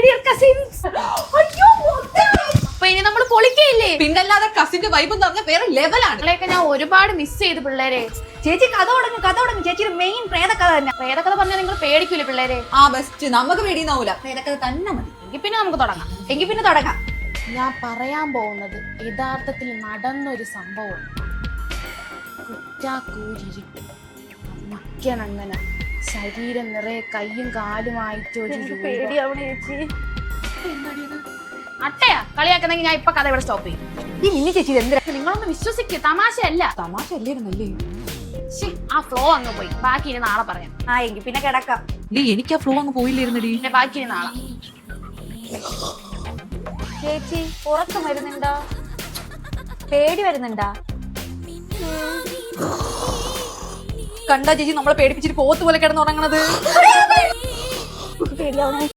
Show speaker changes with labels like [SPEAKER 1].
[SPEAKER 1] അപ്പൊ ഇനി നമ്മൾ പൊളിക്കയില്ലേ?
[SPEAKER 2] പിന്നല്ലാതെ കസിന്റെ വൈബ് എന്ന് പറഞ്ഞാൽ വേറെ ലെവലാണ്.
[SPEAKER 1] ഞാൻ ഒരുപാട് മിസ് ചെയ്തു പിള്ളേരെ.
[SPEAKER 3] ചേച്ചി കഥ തുടങ്ങും. ചേച്ചിയുടെ മെയിൻ പ്രേതകഥ തന്നെ.
[SPEAKER 1] പ്രേതകഥ പറഞ്ഞാൽ നിങ്ങൾ പേടിക്കൂലേ പിള്ളേരെ?
[SPEAKER 2] ആ ബെസ്റ്റ്, നമുക്ക് പേടിയുന്നാവൂല, പ്രേതകഥ തന്നെ മതി.
[SPEAKER 1] എങ്കിൽ പിന്നെ നമുക്ക് തുടങ്ങാം. ഞാൻ പറയാൻ പോകുന്നത് യഥാർത്ഥത്തിൽ നടന്നൊരു സംഭവം. കുറ്റാക്കൂരിട്ട് മിക്കണങ്ങനെ ശരീരം നിറയെ കയ്യും കാലുമായിട്ട് ഒരു
[SPEAKER 3] പേടിയാവണേ ചേച്ചി.
[SPEAKER 1] അട്ടയാ കളിയാക്കുന്നെങ്കിൽ ഞാൻ ഇപ്പൊ കഥ ഇവിടെ സ്റ്റോപ്പ് ചെയ്യും.
[SPEAKER 3] ഈ മിനി ചേച്ചി എന്തിനാ?
[SPEAKER 1] നിങ്ങളൊന്ന് വിശ്വസിക്കുക, തമാശയല്ല.
[SPEAKER 2] തമാശ അല്ലായിരുന്നല്ലേ?
[SPEAKER 1] ആ ഫ്ലോ അങ്ങ് പോയി, ബാക്കി ഇനി നാളെ പറയാം.
[SPEAKER 3] എങ്കിൽ പിന്നെ കിടക്കാം.
[SPEAKER 2] എനിക്ക് ആ ഫ്ലോ അങ്ങ് പോയില്ലായിരുന്നടി.
[SPEAKER 1] പിന്നെ ബാക്കി ഇനി നാളെ.
[SPEAKER 3] ചേച്ചി ഉറക്കം വരുന്നുണ്ടോ? പേടി വരുന്നുണ്ടോ?
[SPEAKER 2] കണ്ടാ ചേച്ചി നമ്മളെ പേടിപ്പിച്ചിട്ട് പോത്ത് പോലെ കിടന്നുറങ്ങണത്.
[SPEAKER 3] പേടിയാവണേ.